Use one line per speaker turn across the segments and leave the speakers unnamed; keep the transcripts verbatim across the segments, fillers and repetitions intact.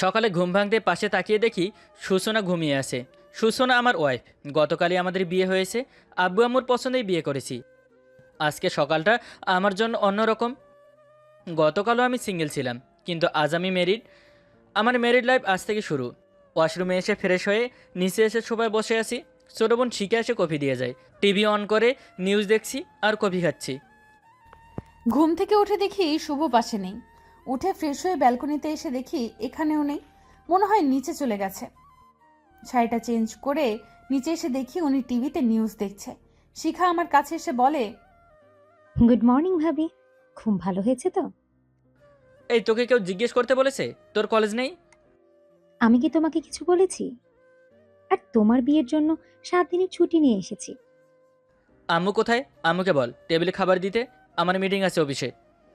সকালে ঘুম ভাঙতে পাশে তাকিয়ে দেখি সূচনা ঘুমিয়ে আছে। সূচনা আমার ওয়াইফ। গতকালই আমাদের বিয়ে হয়েছে। আব্বু আম্মুর পছন্দেই বিয়ে করেছি। আজকে সকালটা আমার জন্য অন্যরকম। গতকালও আমি সিঙ্গেল ছিলাম, কিন্তু আজ আমি ম্যারিড। আমার ম্যারিড লাইফ আজ থেকে শুরু। ওয়াশরুমে এসে ফ্রেশ হয়ে নিচে এসে সবাই বসে আছি। ছোটো বোন শিখে এসে কফি দিয়ে যায়। টিভি অন করে নিউজ দেখছি আর কফি খাচ্ছি।
ঘুম থেকে উঠে দেখি শুভ পাশে নেই। উঠে ফ্রেশ হয়ে ব্যালকনিতে এসে দেখি এখানেও নেই। মনে হয় নিচে চলে গেছে। শাড়িটা চেঞ্জ করে নিচে এসে দেখি উনি টিভিতে নিউজ দেখছে। শিখা আমার কাছে এসে বলে,
গুড মর্নিং ভাবি, খুব ভালো হয়েছে তো?
এই, তোকে কেউ জিজ্ঞেস করতে বলেছে তোর কলেজ নেই?
আমি কি তোমাকে কিছু বলেছি? আর তোমার বিয়ের জন্য সাত দিনের ছুটি নিয়ে এসেছি।
আম্মু কোথায়? আম্মুকে বল টেবিলে খাবার দিতে। আমার মিটিং আছে অফিসে।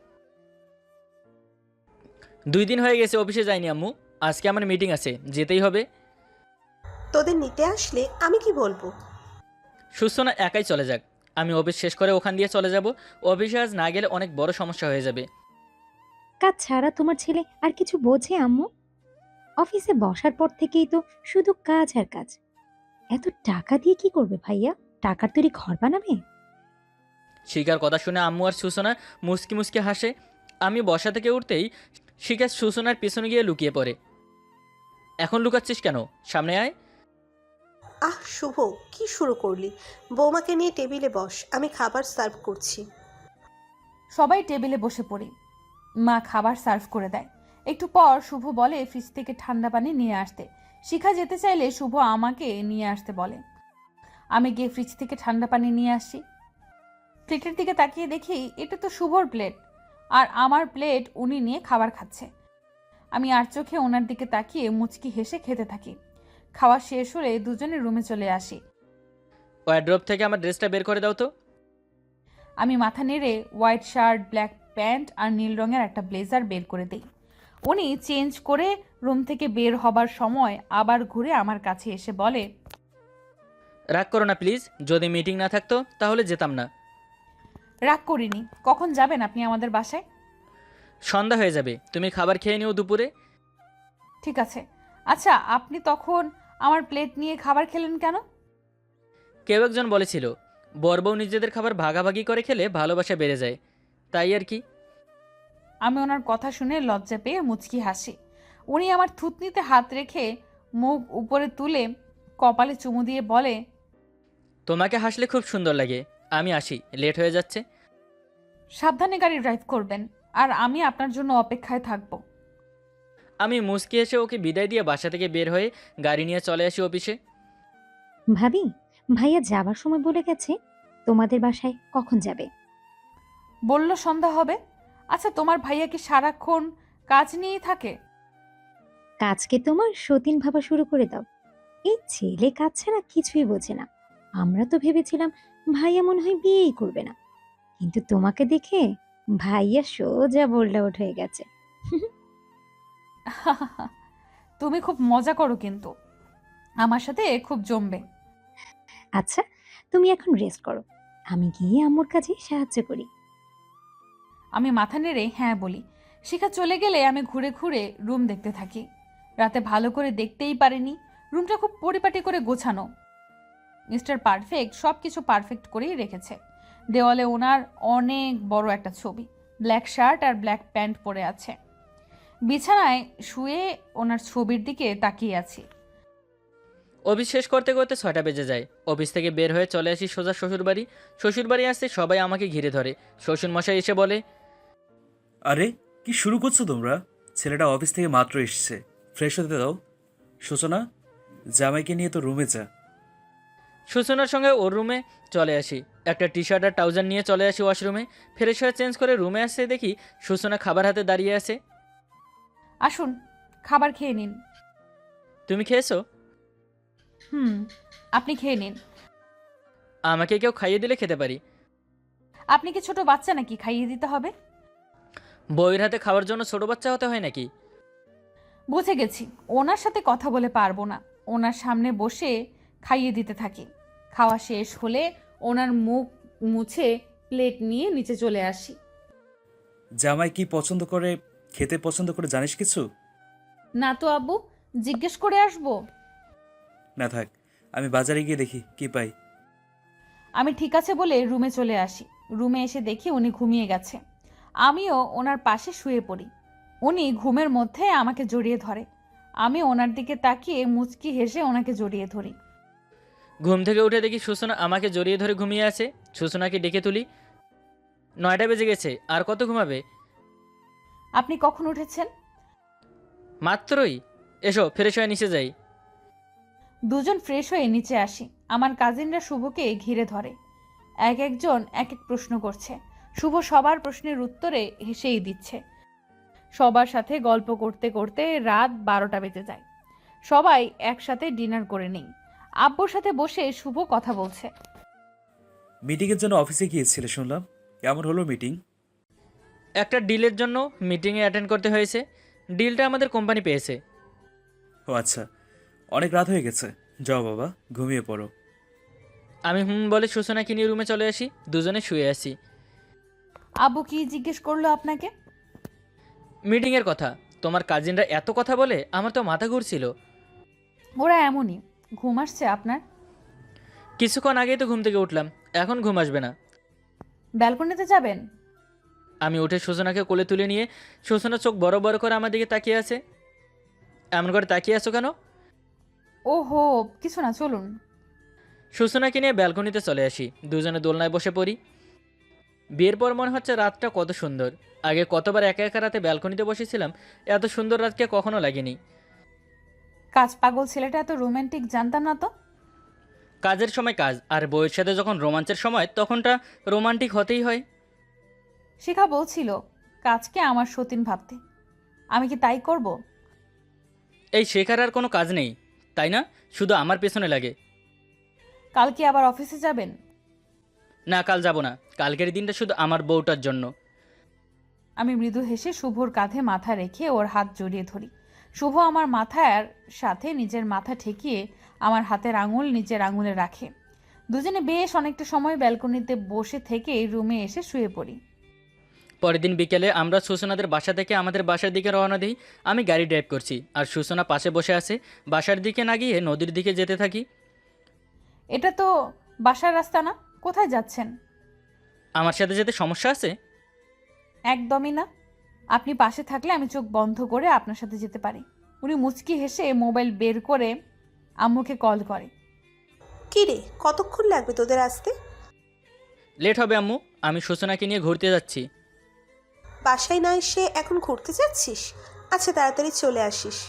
দুই দিন হয়ে গেছে অফিসে যাইনি আম্মু। আজকে আমার মিটিং আছে, যেতেই হবে।
তোদের নিতে আসলে আমি কি বলবো?
সুস্থনা একাই চলে যাক, আমি অফিস শেষ করে ওখান দিয়ে চলে যাব। অফিসে আজ না গেলে অনেক বড় সমস্যা হয়ে যাবে।
কাজ ছাড়া তোমার ছেলে আর কিছু বোঝে আম্মু? অফিসে বসার পর থেকেই তো শুধু কাজ আর কাজ। এত টাকা দিয়ে কি করবে ভাইয়া? টাকার তৈরি ঘর বানাবে?
শিকার কথা শুনে আম্মু আর সুসনা মুসকি মুসকি হাসে। আমি বসা থেকে উঠতেই শিকার সুসনার পিছনে গিয়ে লুকিয়ে পড়ে। এখন লুকাচ্ছিস কেন? সামনে আয়।
আহ শুভ, কি শুরু করলি? বৌমাকে নিয়ে টেবিলে বস, আমি খাবার সার্ভ করছি।
সবাই টেবিলে বসে পড়ি। মা খাবার সার্ভ করে দেয়। একটু পর শুভ বলে ফ্রিজ থেকে ঠান্ডা পানি নিয়ে আসতে। শিখা যেতে চাইলে শুভ আমাকে নিয়ে আসতে বলে। আমি গিয়ে ফ্রিজ থেকে ঠান্ডা পানি নিয়ে আসি। প্লেটের দিকে তাকিয়ে দেখি এটা তো শুভর প্লেট, আর আমার প্লেট উনি নিয়ে খাবার খাচ্ছে। আমি আর চোখে ওনার দিকে তাকিয়ে মুচকি হেসে খেতে থাকি। খাওয়া শেষ হলে দুজনে রুমে চলে আসি।
ওয়ার্ড্রপ থেকে আমার ড্রেসটা বের করে দাও তো।
আমি মাথা নেড়ে হোয়াইট শার্ট, ব্ল্যাক প্যান্ট আর নীল রঙের একটা ব্লেজার বের করে দিই। উনি চেঞ্জ করে রুম থেকে বের হবার সময় আবার ঘুরে আমার কাছে এসে বলে,
রাগ করো না প্লিজ, যদি মিটিং না থাকতো তাহলে যেতাম না।
রাগ করিনি। কখন যাবেন আপনি আমাদের বাসায়?
সন্ধ্যা হয়ে যাবে, তুমি খাবার খেয়ে নিও দুপুরে।
ঠিক আছে। আচ্ছা, আপনি তখন আমার প্লেট নিয়ে খাবার খেলেন কেন?
কেউ একজন বলেছিল বর বউ নিজেদের খাবার ভাগাভাগি করে খেলে ভালোবাসা বেড়ে যায়, তাই আর কি।
আমি ওনার কথা শুনে লজ্জা পেয়ে মুচকি হাসি। উনি আমার থুতনিতে হাত রেখে মুখ উপরে তুলে কপালে চুমু দিয়ে বলে,
তোমাকে হাসলে খুব সুন্দর লাগে। আমি আসি, লেট হয়ে যাচ্ছে।
সাবধানে গাড়ি ড্রাইভ করবেন, আর আমি আপনার জন্য অপেক্ষায় থাকব।
আমি মুচকি এসে ওকে বিদায় দিয়ে বাসা থেকে বের হয়ে গাড়ি নিয়ে চলে আসি অফিসে।
ভাবি, ভাইয়া যাবার সময় বলে গেছে তোমাদের বাসায় কখন যাবে।
বলল সন্ধ্যা হবে। আচ্ছা, তোমার ভাইয়া কি সারাক্ষণ কাজ নিয়েই থাকে?
কাজকে তোমার সতীন ভাবা শুরু করে দাও। এই ছেলে কাজ ছাড়া কিছুই বোঝে না। আমরা তো ভেবেছিলাম ভাইয়া মনে হয় বিয়েই করবে না, কিন্তু তোমাকে দেখে ভাইয়া সোজা বোল্ড আউট হয়ে গেছে।
তুমি খুব মজা করো, কিন্তু আমার সাথে খুব জমবে।
আচ্ছা, তুমি এখন রেস্ট করো, আমি গিয়ে আম্মুর কাজে সাহায্য করি।
আমি মাথা নেড়ে হ্যাঁ বলি। শিখা চলে গেলে আমি ঘুরে ঘুরে রুম দেখতে থাকি। রাতে ভালো করে দেখতেই পারিনি। রুমটা খুব পরিপাটি করে গোছানো। মিস্টার পারফেক্ট সব কিছু পারফেক্ট করেই রেখেছে। দেওয়ালে ওনার অনেক বড় একটা ছবি। ব্ল্যাক শার্ট আর ব্ল্যাক প্যান্ট পরে আছে। বিছানায় শুয়ে ওনার ছবির দিকে তাকিয়ে আছি।
অফিস শেষ করতে করতে ছয়টা বেজে যায়। অফিস থেকে বের হয়ে চলে আসি সোজা শ্বশুরবাড়ি। শ্বশুরবাড়ি আসতে সবাই আমাকে ঘিরে ধরে। শ্বশুরমশাই এসে বলে,
আরে কি শুরু করছো তোমরা? ছেলেটা অফিস থেকে মাত্র এসেছে, ফ্রেশ হতে দাও। সূচনা, জামাইকে নিয়ে তো রুমে যা।
সূচনার সঙ্গে ওর রুমে চলে আসি। একটা টি শার্ট আর ট্রাউজার নিয়ে চলে আসি ওয়াশরুমে। ফ্রেশ হয়ে চেঞ্জ করে রুমে আসতে দেখি সূচনা খাবার হাতে দাঁড়িয়ে আছে।
আসুন, খাবার খেয়ে নিন।
তুমি খেয়েছো?
হুম, আপনি খেয়ে নিন।
আমাকে কেউ খাইয়ে দিলে খেতে পারি।
আপনি কি ছোট বাচ্চা নাকি খাইয়ে দিতে হবে?
বউয়ের হাতে খাওয়ার জন্য ছোট বাচ্চা হতে হয় নাকি?
বুঝে গেছি, ওনার সাথে কথা বলে পারবো না। ওনার সামনে বসে খাইয়ে দিতে থাকি। খাওয়া শেষ হলে ওনার মুখ মুছে প্লেট নিয়ে নিচে চলে আসি।
জামাই কি পছন্দ করে, খেতে পছন্দ করে জানিস কিছু?
না তো আব্বু, জিজ্ঞেস করে আসবো।
না থাক, আমি বাজারে গিয়ে দেখি কি পাই।
আমি ঠিক আছে বলে রুমে চলে আসি। রুমে এসে দেখি উনি ঘুমিয়ে গেছে। আমিও ওনার পাশে শুয়ে পড়ি। উনি ঘুমের মধ্যে আমাকে জড়িয়ে ধরে। আমি ওনার দিকে তাকিয়ে মুচকি হেসে ওনাকে জড়িয়ে ধরি।
ঘুম থেকে উঠে দেখি সূচনা আমাকে জড়িয়ে ধরে ঘুমিয়ে আছে। সূচনাকে ডেকে তুলি। নয়টা বেজে গেছে, আর কত ঘুমাবে?
আপনি কখন উঠেছেন?
মাত্রই। এসো ফ্রেশ হয়ে নিচে যাই।
দুজন ফ্রেশ হয়ে নিচে আসি। আমার কাজিনরা শুভকে ঘিরে ধরে। এক একজন এক এক প্রশ্ন করছে। শুভ সবার প্রশ্নের উত্তরে হেসেই দিচ্ছে। সবার সাথে গল্প করতে করতে রাত বারোটা বেজে যায়। সবাই একসাথে ডিনার করে নেই। আব্বুর সাথে বসে শুভ কথা বলছে।
মিটিংয়ের জন্য অফিসে গিয়েছিলে শুনলাম, কেমন হলো মিটিং?
একটা ডিলের জন্য মিটিংয়ে অ্যাটেন্ড করতে হয়েছে। ডিলটা আমাদের কোম্পানি পেয়েছে।
ও আচ্ছা, অনেক রাত হয়ে গেছে, যাও বাবা ঘুমিয়ে পড়ো।
আমি হুম বলে সূচনাকে নিয়ে রুমে চলে আসি। দুজনে শুয়ে আসি।
আব্বু কি জিজ্ঞেস করলো আপনাকে?
মিটিংয়ের কথা। তোমার কাজিনরা এত কথা বলে আমার তো মাথা ঘুরছিল।
ওরা এমনই। ঘুম আসছে আপনার?
কিছুক্ষণ আগেই তো ঘুম থেকে উঠলাম, এখন ঘুম আসবে না।
ব্যালকনিতে যাবেন?
আমি উঠে সূচনাকে কোলে তুলে নিয়ে, সূচনা চোখ বড় বড় করে আমার দিকে তাকিয়ে আছে। এমন করে তাকিয়ে আছো কেন?
ওহো, কিছু না, চলুন।
সূচনাকে নিয়ে ব্যালকনিতে চলে আসি। দুজনে দোলনায় বসে পড়ি। বিয়ের পর মনে হচ্ছে রাতটা কত সুন্দর। আগে কতবার একা একা রাতে ব্যালকনিতে বসেছিলাম, এত সুন্দর রাতকে কখনো লাগেনি।
কাজ পাগল ছেলেটা এত রোমান্টিক জানতাম না তো।
কাজের সময় কাজ, আর বউয়ের সাথে যখন রোমাঞ্চের সময় তখনটা রোমান্টিক হতেই হয়।
শিখা বলছিল কাজকে আমার সতীন ভাবতে। আমি কি তাই করব?
এই শেখার আর কোনো কাজ নেই, তাই না? শুধু আমার পেছনে লাগে।
কাল কি আবার অফিসে যাবেন?
না, কাল যাব না। কালকের দিনটা শুধু আমার বউটার জন্য।
আমি মৃদু হেসে শুভর কাঁধে মাথা রেখে ওর হাত জড়িয়ে ধরি। শুভ আমার মাথার সাথে নিজের মাথা ঠেকিয়ে আমার হাতের আঙুল নিজের আঙুলে রাখে। দুজনে বেশ অনেকটা সময় ব্যালকনিতে বসে থেকে রুমে এসে শুয়ে পড়ি।
পরের দিন বিকেলে আমরা সূচনাদের বাসা থেকে আমাদের বাসার দিকে রওনা দিই। আমি গাড়ি ড্রাইভ করছি, আর সূচনা পাশে বসে আছে। বাসার দিকে না গিয়ে নদীর দিকে যেতে থাকি।
এটা তো বাসার রাস্তা না, কোথায় যাচ্ছেন?
আমার সাথে যেতে সমস্যা আছে?
একদমই না। আপনি পাশে থাকলে আমি চোখ বন্ধ করে আপনার সাথে যেতে পারি। উনি মুচকি হেসে মোবাইল বের করে আম্মুকে কল করে।
কি রে, কতক্ষণ লাগবে তোদের আসতে?
লেট হবে আম্মু, আমি সূচনাকে নিয়ে ঘুরতে যাচ্ছি।
বাসায় না এসে এখন ঘুরতে যাচ্ছিস? আচ্ছা, তাড়াতাড়ি চলে আসিস।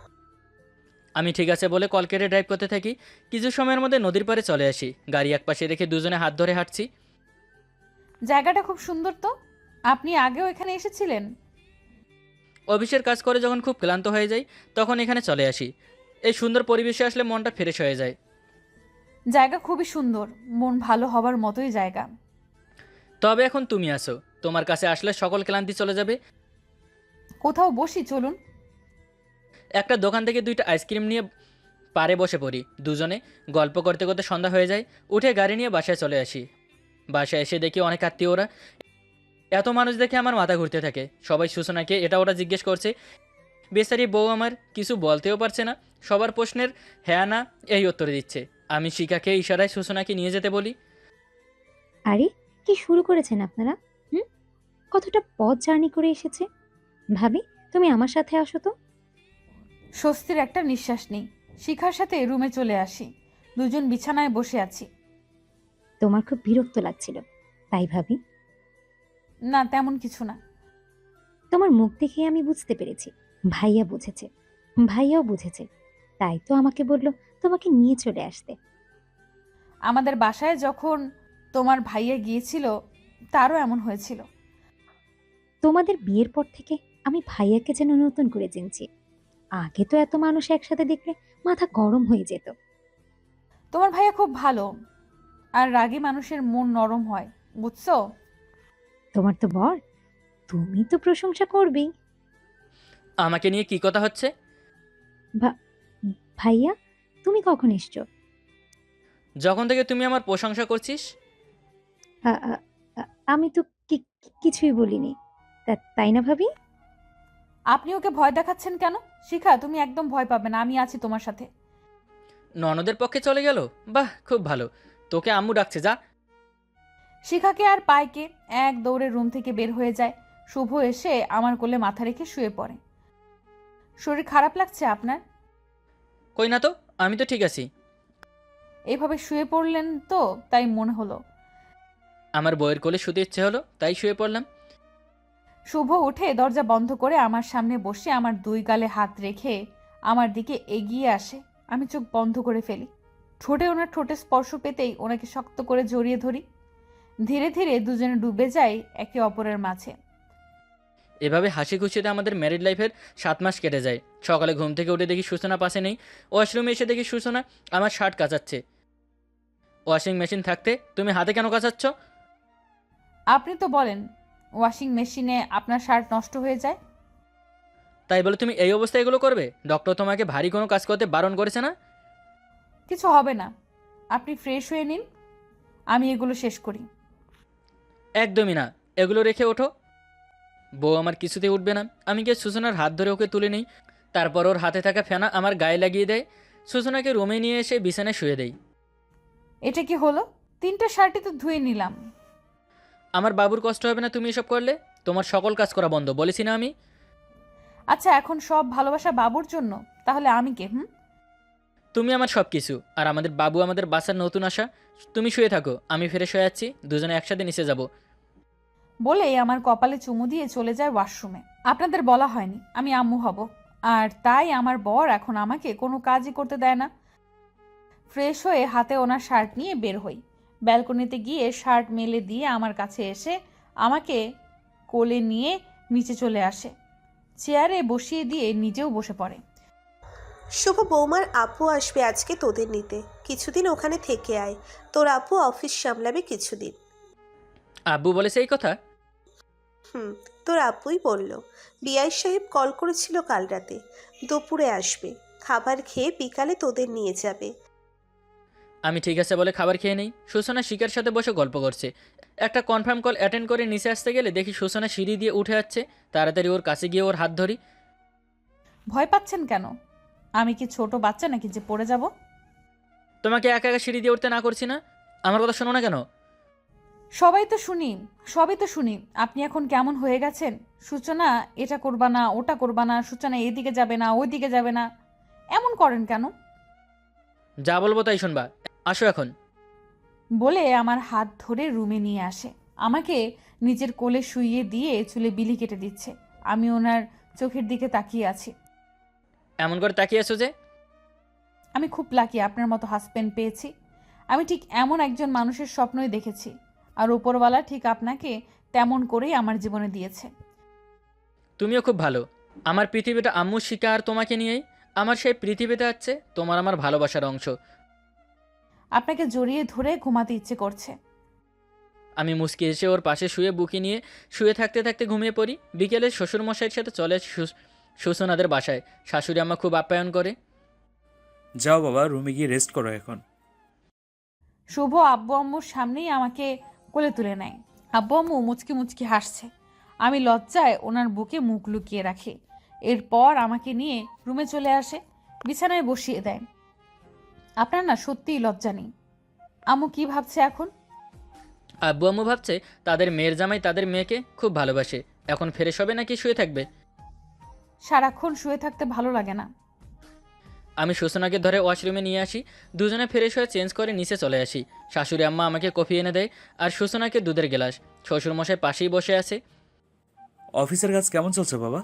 আমি ঠিক আছে বলে কল কেটে ড্রাইভ করতে থাকি। কিছু সময়ের মধ্যে নদীর পাড়ে চলে আসি। গাড়ি একপাশে রেখে দুজনে হাত ধরে হাঁটছি।
জায়গাটা খুব সুন্দর তো। আপনি আগেও এখানে এসেছিলেন?
অফিসের কাজ করে যখন খুব ক্লান্ত হয়ে যাই, তখন এখানে চলে আসি। এই সুন্দর পরিবেশে আসলে মনটা ফ্রেশ হয়ে যায়।
জায়গা খুবই সুন্দর, মন ভালো হবার মতোই জায়গা।
তবে এখন তুমি আসো, তোমার কাছে আসলে সকল ক্লান্তি চলে যাবে।
কোথাও বসি, চলুন।
একটা দোকান থেকে দুইটা আইসক্রিম নিয়ে পাড়ে বসে পড়ি। দুজনে গল্প করতে করতে সন্ধ্যা হয়ে যায়। উঠে গাড়ি নিয়ে বাসায় চলে আসি। বাসায় এসে দেখি অনেক আত্মীয়রা। এত মানুষ দেখে আমার মাথা ঘুরতে থাকে। সবাই সূচনাকে এটা ওটা জিজ্ঞেস করছে। বেচারি বউ আমার কিছু বলতেও পারছে না। সবার প্রশ্নের হ্যাঁ না এই উত্তর দিচ্ছে। আমি শিখাকে ইশারায় সূচনাকে নিয়ে যেতে বলি।
আরে, কি শুরু করেছেন আপনারা? হুম, কতটা পথ জার্নি করে এসেছে। ভাবি, তুমি আমার সাথে আসো তো।
স্বস্তির একটা নিঃশ্বাস নেই। শিখার সাথে রুমে চলে আসি। দুজন বিছানায় বসে আছি।
তোমার খুব বিরক্ত লাগছিল, তাই ভাবি।
না, তেমন কিছু না।
তোমার মুখ দেখে আমি বুঝতে পেরেছি ভাইয়া বুঝেছে, ভাইয়াও বুঝেছে, তাই তো আমাকে বলল তোমাকে নিয়ে চলে আসতে।
আমাদের বাসায় যখন তোমার ভাইয়া গিয়েছিল, তারও এমন হয়েছিল।
তোমাদের বিয়ের পর থেকে আমি ভাইয়াকে যেন নতুন করে চিনছি। আগে তো এত মানুষ একসাথে দেখলে মাথা গরম হয়ে যেত।
তোমার ভাইয়া খুব ভালো, আর রাগী মানুষের মন নরম হয়, বুঝছো?
তোমার তো বর, তুমি তো প্রশংসা করবেই।
আমাকে নিয়ে কি কথা হচ্ছে?
ভা- ভাইয়া, তুমি কখন এসছো?
যখন থেকে তুমি আমার প্রশংসা করছিস।
আ- আ- আ- আমি তো কি- কি- কিছুই বলিনি, তা- তাই না ভাবি?
আপনি ওকে ভয় দেখাচ্ছেন কেন? শিখা, তুমি একদম ভয় পাবে না, আমি আছি তোমার সাথে।
ননদের পক্ষে চলে গেল? বাহ, খুব ভালো। তোকে আম্মু ডাকছে, যা।
শিখাকে আর পায়কে এক দৌড়ে রুম থেকে বের হয়ে যায়। শুভ এসে আমার কোলে মাথা রেখে শুয়ে পড়ে। শরীর খারাপ লাগছে আপনার?
কই না তো, আমি তো ঠিক আছি।
এইভাবে শুয়ে পড়লেন তো তাই মনে হলো।
আমার বইয়ের কোলে শুতে ইচ্ছে হলো, তাই শুয়ে পড়লাম।
শুভ উঠে দরজা বন্ধ করে আমার সামনে বসে আমার দুই গালে হাত রেখে আমার দিকে এগিয়ে আসে। আমি চোখ বন্ধ করে ফেলি। ঠোঁটে ওনার ঠোঁটে স্পর্শ পেতেই ওনাকে শক্ত করে জড়িয়ে ধরি। ধীরে ধীরে দুজনে ডুবে যাই একে অপরের মাঝে।
এভাবে হাসি খুশিতে আমাদের ম্যারিড লাইফের সাত মাস কেটে যায়। সকালে ঘুম থেকে উঠে দেখি সূচনা পাশে নেই। ওয়াশরুমে এসে দেখি সূচনা আমার শার্ট কাচাচ্ছে। ওয়াশিং মেশিন থাকতে তুমি হাতে কেন কাচাচ্ছ?
আপনি তো বলেন ওয়াশিং মেশিনে আপনার শার্ট নষ্ট হয়ে যায়।
তাই বলে তুমি এই অবস্থায় এগুলো করবে? ডক্টর তোমাকে ভারী কোনো কাজ করতে বারণ করেছে না?
কিছু হবে না, আপনি ফ্রেশ হয়ে নিন, আমি এগুলো শেষ করি।
একদমই না, এগুলো রেখে ওঠো। বউ আমার কিছুতেই উঠবে না। আমি গিয়ে সূচনার হাত ধরে ওকে তুলে নিই। তারপর ওর হাতে থাকা ফেনা আমার গায়ে লাগিয়ে দেয়। সূচনাকে রুমে নিয়ে এসে বিছানায় শুয়ে দেই।
এটা কি হলো? তিনটা শার্টই তো ধুয়ে নিলাম।
আমার বাবুর কষ্ট হবে না তুমি এসব করলে? তোমার সকল কাজ করা বন্ধ বলেছি না আমি?
আচ্ছা, এখন সব ভালোবাসা বাবুর জন্য, তাহলে আমি কে? হুম
তুমি আমার সব কিছু, আর আমাদের বাবু আমাদের বাসার নতুন আশা। তুমি শুয়ে থাকো, আমি ফিরে শুয়ে যাচ্ছি, দুজনে একসাথে নিচে যাব।
বলেই আমার কপালে চুমু দিয়ে চলে যায় ওয়াশরুমে। আপনাদের বলা হয়নি আমি আম্মু হব, আর তাই আমার বর এখন আমাকে কোনো কাজই করতে দেয় না। ফ্রেশ হয়ে হাতে ওনার শার্ট নিয়ে বের হই। ব্যালকনিতে গিয়ে শার্ট মেলে দিয়ে আমার কাছে এসে আমাকে কোলে নিয়ে নিচে চলে আসে। চেয়ারে বসিয়ে দিয়ে নিজেও বসে পড়ে।
শুভ, বৌমার আপু আসবে আজকে তোদের নিতে, কিছুদিন ওখানে থেকে আয়। তোর আপু অফিস সামলাবে কিছুদিন।
আব্বু বলেছে এই কথা?
হুম, তোর আপুই বলল। বিআই সাহেব কল করেছিল কাল রাতে, দুপুরে আসবে, খাবার খেয়ে বিকালে তোদের নিয়ে যাবে।
আমি ঠিক আছে বলে খাবার খেয়ে নেই। সূচনা শিকার সাথে বসে গল্প করছে। একটা কনফার্ম কল অ্যাটেন্ড করে নিচে আসতে গেলে দেখি সূচনা সিঁড়ি দিয়ে উঠে যাচ্ছে। তাড়াতাড়ি ওর কাছে গিয়ে ওর হাত ধরি।
ভয় পাচ্ছেন কেন? আমি কি ছোট বাচ্চা নাকি যে পড়ে যাব?
তোমাকে একা একা সিঁড়ি দিয়ে উঠতে না করছি না? আমার কথা শোনো না কেন?
সবাই তো শুনি, সবই তো শুনি। আপনি এখন কেমন হয়ে গেছেন? সূচনা এটা করবা না, ওটা করবা না, সূচনা এদিকে যাবে না, ওইদিকে যাবে না, এমন করেন কেন?
যা বলবো তাই শুনবা, আসো এখন।
বলে আমার হাত ধরে রুমে নিয়ে আসে। আমাকে নিজের কোলে শুইয়ে দিয়ে চুলে বিলি কেটে দিচ্ছে। আমি ওনার চোখের দিকে তাকিয়ে আছি।
এমন করে তাকিয়ে আছো যে?
আমি খুব লাকি আপনার মতো হাজবেন্ড পেয়েছি। আমি ঠিক এমন একজন মানুষের স্বপ্নই দেখেছি, আর উপরওয়ালা ঠিক আপনাকে তেমন করেই আমার জীবনে দিয়েছে।
তুমিও খুব ভালো। আমার পৃথিবীটা আম্মু শিকা আর তোমাকে নিয়েই। আমার সেই পৃথিবীতে আছে তোমার আমার ভালোবাসার অংশ।
আপনাকে জড়িয়ে ধরে ঘুমাতে ইচ্ছে করছে।
আমি মুচকি এসে ওর পাশে শুয়ে বুকি নিয়ে শুয়ে থাকতে থাকতে ঘুমিয়ে পড়ি। বিকেলে শ্বশুরমশাইয়ের সাথে চলে আসি সু- সুসনাদের বাসায়। শাশুড়ি আম্মা খুব আপ্যায়ন করে।
যাও বাবা, রুমে গিয়ে রেস্ট করো এখন।
শুভ আব্বু আম্মুর সামনেই আমাকে কোলে তুলে নেয়। আব্বু আম্মু মুচকি মুচকি হাসছে। আমি লজ্জায় ওনার বুকে মুখ লুকিয়ে রাখি। এরপর আমাকে নিয়ে রুমে চলে আসে, বিছানায় বসিয়ে দেয়। আপনার না সত্যিই লজ্জা নেই। আম্মু কি ভাবছে এখন?
আব্বু আম্মু ভাবছে তাদের মেয়ের জামাই তাদের মেয়েকে খুব ভালোবাসে। এখন ফ্রেশ হবে নাকি শুয়ে থাকবে?
সারাক্ষণ শুয়ে থাকতে ভালো লাগে না।
আমি সুসনাকে ধরে ওয়াশরুমে নিয়ে আসি। দুজনে ফ্রেশ হয়ে চেঞ্জ করে নিচে চলে আসি। শাশুড়ি আম্মা আমাকে কফি এনে দেয় আর সুসনাকে দুধের গ্লাস। শ্বশুরমশাই পাশেই বসে আছে।
অফিসের কাজ কেমন চলছে বাবা?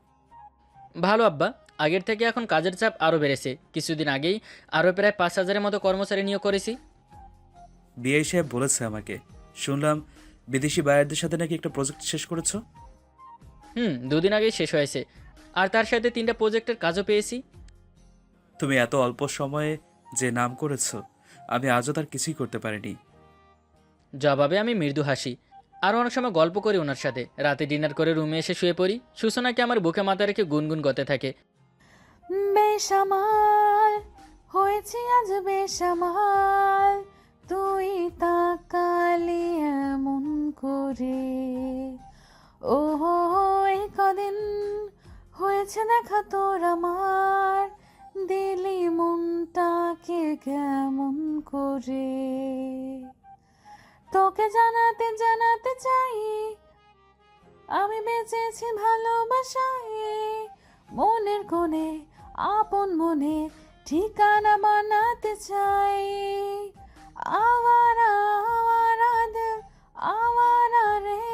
ভালো আব্বা, আগের থেকে এখন কাজের চাপ আরও বেড়েছে। কিছুদিন আগেই আরও প্রায় পাঁচ হাজারের মতো কর্মচারী নিয়োগ করেছি।
বিআই সাহেব বলেছে আমাকে, শুনলাম বিদেশি বায়ারদের সাথে নাকি একটা প্রজেক্ট শেষ করেছো।
হুম, দুদিন আগেই শেষ হয়েছে। আর তার সাথে তিনটা প্রজেক্টের কাজও পেয়েছি।
তুমি এত অল্প সময়ে যে নাম করেছো, আমি আজও তার কিছুই করতে পারিনি।
জবাবে আমি মৃদু হাসি। আরও অনেক সময় গল্প করি ওনার সাথে। রাতে ডিনার করে রুমে এসে শুয়ে পড়ি। সুসনাকে আমার বুকে মাথা রেখে গুনগুন করতে থাকে।
বেসামাল হয়েছে আজ বেসামাল, তুই তাকালি এমন করে, ও এই কদিন হয়েছে দেখা তোর আমার, দিলি মনটাকে কেমন করে, তোকে জানাতে জানাতে চাই আমি বেঁচেছি ভালোবাসায়, মনের কোণে আপন মনে ঠিকানা বানাতে চাই। আওয়ারা আওয়ারা দিল আওয়ারা রে,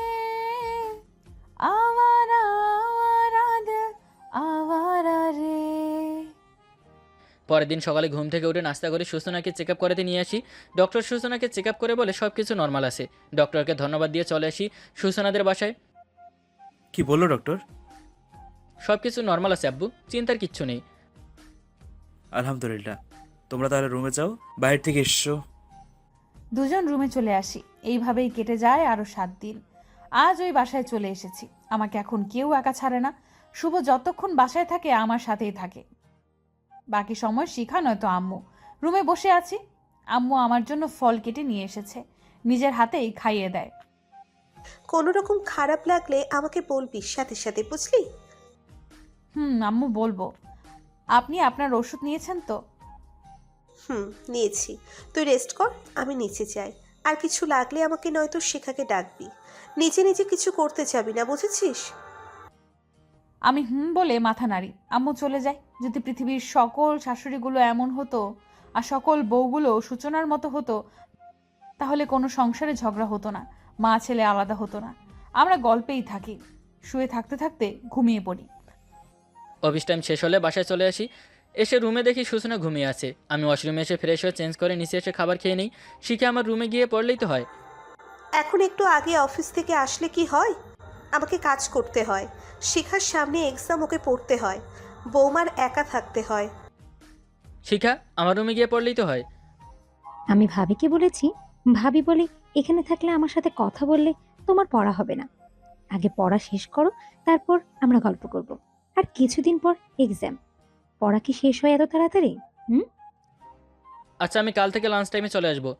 আওয়ারা আওয়ারা দিল আওয়ারা রে।
পরের দিন সকালে ঘুম থেকে উঠে নাস্তা করে সূচনাকে চেক আপ করাতে নিয়ে আসি। ডক্টর সূচনাকে চেক আপ করে বলে সব কিছু নর্মাল আছে। ডক্টরকে ধন্যবাদ দিয়ে চলে আসি সূচনাদের বাসায়।
কি বললো ডক্টর?
সব কিছু নর্মাল আছে আব্বু, চিন্তার কিচ্ছু নেই।
আলহামদুলিল্লাহ। তোমরা তাহলে রুমে যাও, বাইরে থেকে এসছো।
দুজন রুমে চলে আসি। এইভাবেই কেটে যায় আরো সাত দিন। আজ ওই বাসায় চলে এসেছি। আমাকে এখন কেউ একা ছাড়ে না। শুভ যতক্ষণ বাসায় থাকে আমার সাথেই থাকে। বাকি সময় শিখা নয়তো আম্মু। রুমে বসে আছি, আম্মু আমার জন্য ফল কেটে নিয়ে এসেছে, নিজের হাতেই খাইয়ে দেয়।
কোনো রকম খারাপ লাগলে আমাকে বলবি সাথে সাথে, বুঝলি?
হুম আম্মু বলবো। আপনি আপনার ওষুধ নিয়েছেন তো?
হুম, নিয়েছি। তুই রেস্ট কর, আমি নিচে যাই। আর কিছু লাগলে আমাকে নয়তো শিখাকে ডাকবি। নিজে নিজে কিছু করতে যাবি না, বুঝেছিস?
আমি হুম বলে মাথা নাড়ি। আম্মু চলে যায়। যদি পৃথিবীর সকল শাশুড়িগুলো এমন হতো আর সকল বউগুলো সূচনার মতো হতো, তাহলে কোনো সংসারে ঝগড়া হতো না, মা ছেলে আলাদা হতো না। আমরা গল্পেই থাকি, শুয়ে থাকতে থাকতে ঘুমিয়ে পড়ি।
অফিস টাইম শেষ হলে বাসায় চলে আসি। এসে রুমে দেখি সূচনা ঘুমিয়ে আছে। আমি ওয়াশরুমে এসে ফ্রেশ হয়ে চেঞ্জ করে নিচে এসে খাবার খেয়ে নিই। শিখে আমার রুমে গিয়ে পড়লেই তো হয়।
এখন একটু আগে অফিস থেকে আসলে কি হয়? আমাকে কাজ করতে হয়, শিখার সামনে এক্সাম, ওকে পড়তে হয়, বৌমার একা থাকতে হয়।
শিখা আমার রুমে গিয়ে পড়লেই তো হয়।
আমি ভাবিকে বলেছি, ভাবি বলে এখানে থাকলে আমার সাথে কথা বললে তোমার পড়া হবে না। আগে পড়া শেষ করো, তারপর আমরা গল্প করব। আর কিছুদিন পর এক্সাম, পড়া কি শেষ হয় এত তাড়াতাড়ি? হুম
আচ্ছা আমি কাল থেকে লাঞ্চ টাইমে চলে আসবো।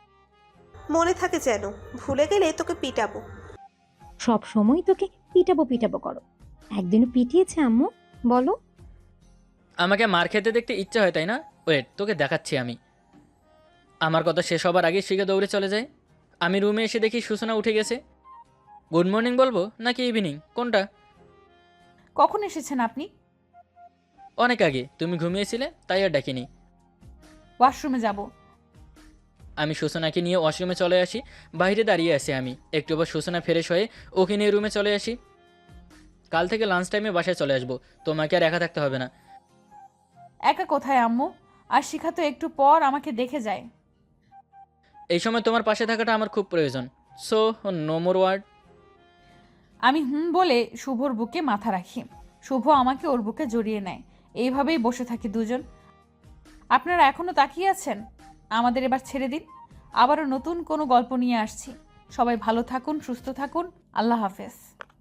মনে থাকে যেন, ভুলে গেলে তোকে পিটাবো।
সব সময় তোকে পিটাবো পিটাবো করো। একদিনও পিটিয়েছে আম্মু? বলো।
আমাকে মার খেতে দেখতে ইচ্ছা হয় তাই না? ওয়েট, তোকে দেখাচ্ছি আমি। আমার কথা শেষ হবার আগে শিখে দৌড়ে চলে যায়। আমি রুমে এসে দেখি সূচনা উঠে গেছে। গুড মর্নিং বলবো নাকি ইভিনিং, কোনটা?
কখন এসেছেন আপনি?
অনেক আগে, তুমি ঘুমিয়েছিলে তাই আর ডাকিনি।
ওয়াশরুমে যাব।
আমি সূচনাকে নিয়ে ওয়াশরুমে চলে আসি। বাইরে দাঁড়িয়ে আছি আমি। একটু পর সূচনা ফ্রেশ হয়ে ওকে নিয়ে রুমে চলে আসি। কাল থেকে লাঞ্চ টাইমে বাসায় চলে আসবো, তোমাকে আর একা থাকতে হবে না।
একা কোথায় আম্মু? আর শিখা তো একটু পর আমাকে দেখে যায়।
এই সময় তোমার পাশে থাকাটা আমার খুব প্রয়োজন। So no more word.
আমি হুম বলে শুভর বুকে মাথা রাখি। শুভ আমাকে ওর বুকে জড়িয়ে নেয়। এইভাবেই বসে থাকি দুজন। আপনারা এখনো তাকিয়ে আছেন? আমাদের এবার ছেড়ে দিন। আবারও নতুন কোনো গল্প নিয়ে আসছি। সবাই ভালো থাকুন, সুস্থ থাকুন। আল্লাহ হাফেজ।